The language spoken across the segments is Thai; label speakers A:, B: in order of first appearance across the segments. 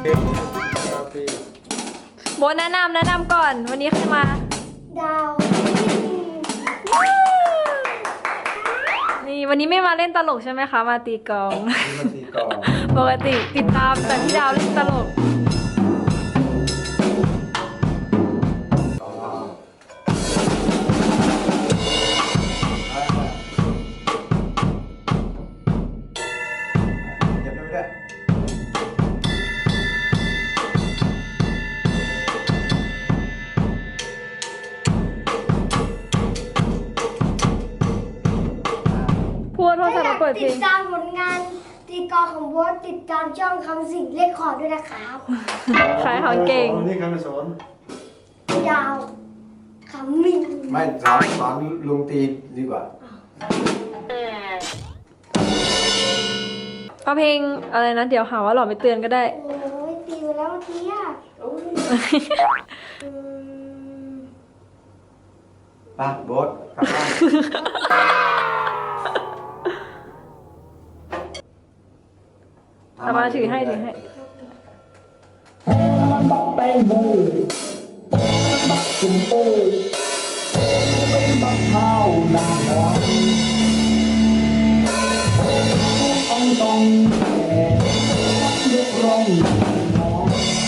A: โบแนะนำก่อนวันนี้ใครมา
B: ดาว
A: นี่วันนี้ไม่มาเล่นตลกใช่ไหมคะมาตีกลอง
C: มาตีกลอง
A: ปกติติดตามแต่พี่ดาวเล่นตลกพูดโทรศัพท์มาเปิดเพล
B: ติ
A: ง
B: ดตามผลงานตีกลองของโบสติดตามช่องคำสิ่งเลขคอร์ดด้วยนะครับ
A: ขายของเก่ง
C: นี่คำสอน
B: ดาวคำมิ่ง
C: ไม่สอนลุงตีดีกว่า
A: เอาเพลงอะไรนะเดี๋ยวหาว่าหล่อไม่เตือนก็ได้
B: โอ้ยตีไปแล้วเมื่อกี้อ่ะ
C: ป้าโบ๊ทกลับบ้าน
A: เอามาถือให้ถือให้
D: บักแตงโมบักจุ่มโตเป็นบักข้าวหน้าหวานต้องแต่ยกร้องน้อง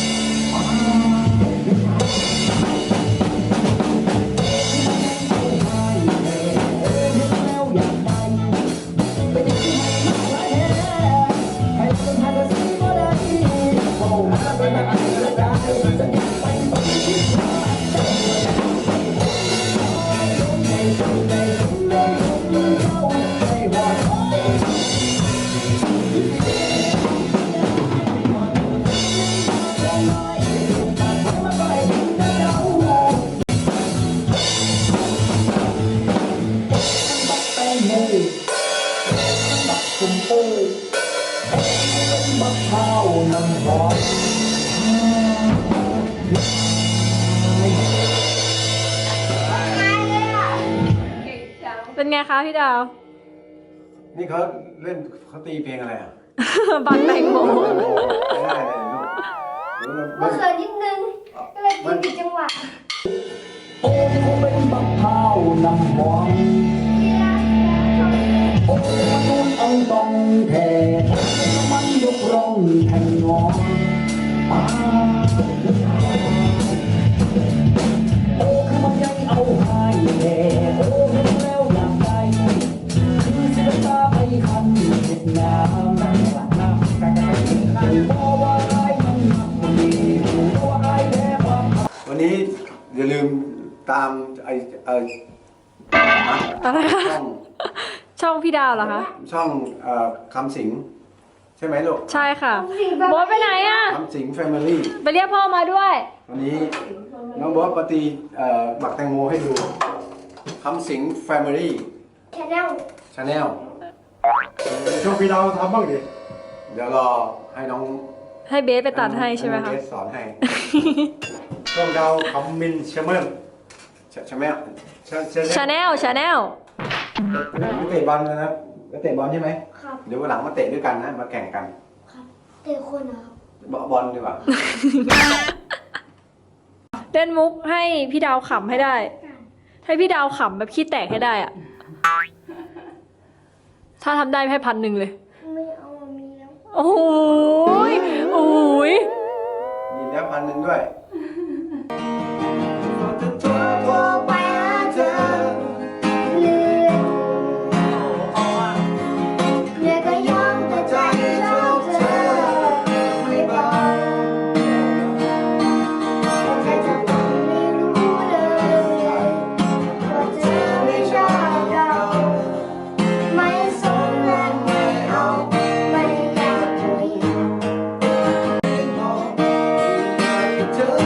D: คุณโอ้ยบักข้าวน้ำหอม
A: เป็นไงคะพี่ดาว
C: นี่เขาเล่นเขาตีเพลงอะไรอ่ะ
A: บักแตงโม
C: ไม่ได้เลยลูก
B: เมื่อคืนนิดนึงก็เลยตีผิดจังหวะ
D: โอ้เป็นบักข้าวน้ำหอมโอ้มันเอาต้องแทนมันยกร้องแทงงอโอ้คือมันยังเอาให้แน่โอ้เห็นแล้วอยากได้คือเสียตาไปคันเห็ดงามนั่งหลักน้ำกันบอกว่าไรมันหนักมันดีบอกว่าไรแพ้ความ
C: วันนี้อย่าลืมตาม
A: อะไรคะ
C: ช่อง
A: ช่องพี่ดาวเหรอคะ
C: ช่องคำสิงใช่ไหมลูก
A: ใช่ค่ะโบ๊ทไปไหนอ่ะ
C: คำสิงแฟมิลี่
A: ไปเรียกพ่อมาด้วย
C: วันนี้น้องโบ๊ทปฏิบักแตงโมให้ดูคำสิงแฟมิลี่
B: แชนแนล
C: ชาแนล
E: ช่วงพี่ดาวทำบ้างดิ
C: เดี๋ยวรอให้น้อง
A: ให้เบสไปตัดให้ใช่ไหมคะ
C: เบสสอนให้
E: ช่วงดาวคำมินเชเมอร์
C: ใช่ไหม
A: ชาแนล
C: ไม่เตะบอลนะครับไม่เตะบอลใช่ไหม
B: ครับ
C: เดี๋ยววันหลังมาเตะด้วยกันนะมาแข่งกัน
B: ครับเตะคนเหรอครับ
C: บอลดีกว่า
A: เล่นมุกให้พี่ดาวขำให้ได้ ให้พี่ดาวขำแบบขี้แตกให้ได้อะถ้าทำได้ให้1,000เลย
B: ไม่เอามีแล้ว
A: โอ้ยโอ้ย
C: มีแล้ว1,000ด้วย
B: โทรไปหาเธอเลื่อนเหนื่อยก็ยอมแต่ใจชอบเธอไม่บอกแต่เธอต้องไม่รู้เลยว่าเธอไม่ชอบเราไม่สนและไม่เอาไม่อยากคุย
C: เธอ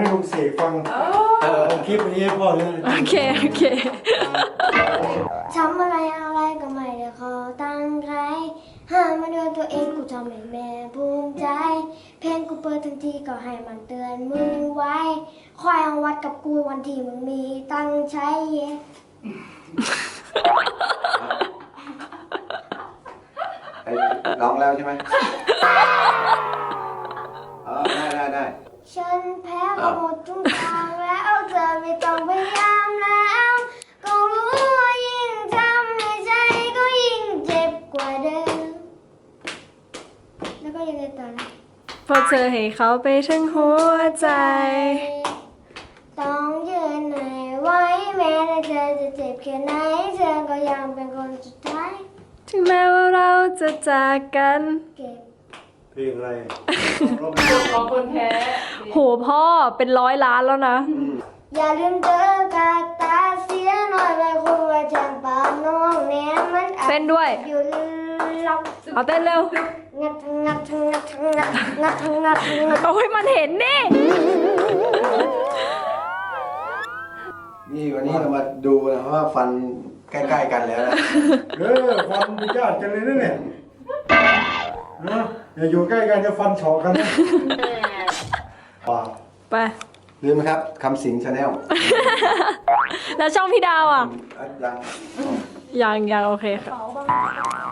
E: ให้ลุงเสกฟังคลิปนี้ให้พ่อเลย
A: โอเคโอเค
B: ทำอะไรอะไรก็ไม่ได้ขอตั้งใครหามาเดือนตัวเองกูทำให้แม่ภูมิใจ เพลงกูเปิดทันทีก็ให้มันเตือนมึงไว้คอยเอาวัดกับกูวันที่มึงมีตังค์ใช้เย็น
C: ร้องแล้วใช่ไหมได้
B: ฉันแพ้ก็หมดทุกทางแล้วเธอไม่ต้องพยายามแล้วก็รู้ว่ายิ่งทำให้ใจก็ยิ่งเจ็บกว่าเดิมแล้วก็ยังไงต่อนะ
A: พอเธอให้เขาไปทั้งหัวใจ
B: ต้องยืนไหนไว้แม้แต่เธอจะเจ็บแค่ไหนเธอก็ยังเป็นคนสุดท้าย
A: ถึงแม้ว่าเราจะจากกัน
B: เก็บ
E: เพลงอะไร
F: ของคนแพ้
A: โหพ่อเป็น100 ล้านแล้วนะ
B: อย่าลืมเจอกาตาเสียหน่อยไม่ควรว่าจะปากน้องแน่มันอาจ
A: เต้นด้วย
B: อยู่หลับ
A: เอาเต้นเร็ว
B: งัดงัดงัดงัดงัดงัดงัด
A: โอ้ยมันเห็นนี่
C: นี่วันนี้เรามาดูนะว่าฟันใกล้ๆกันแล้วนะ
E: ฟันญาติกันเลยนะเนี่ยนะอย่าอยู่ใกล้กันจะฟันเฉาะกันนะป่า
A: ไป
C: ลืมไหมครับคำสิงชาแนล
A: แล้วช่องพี่ดาวอ่ะ
C: ยัง
A: ยังโอเคค่ะ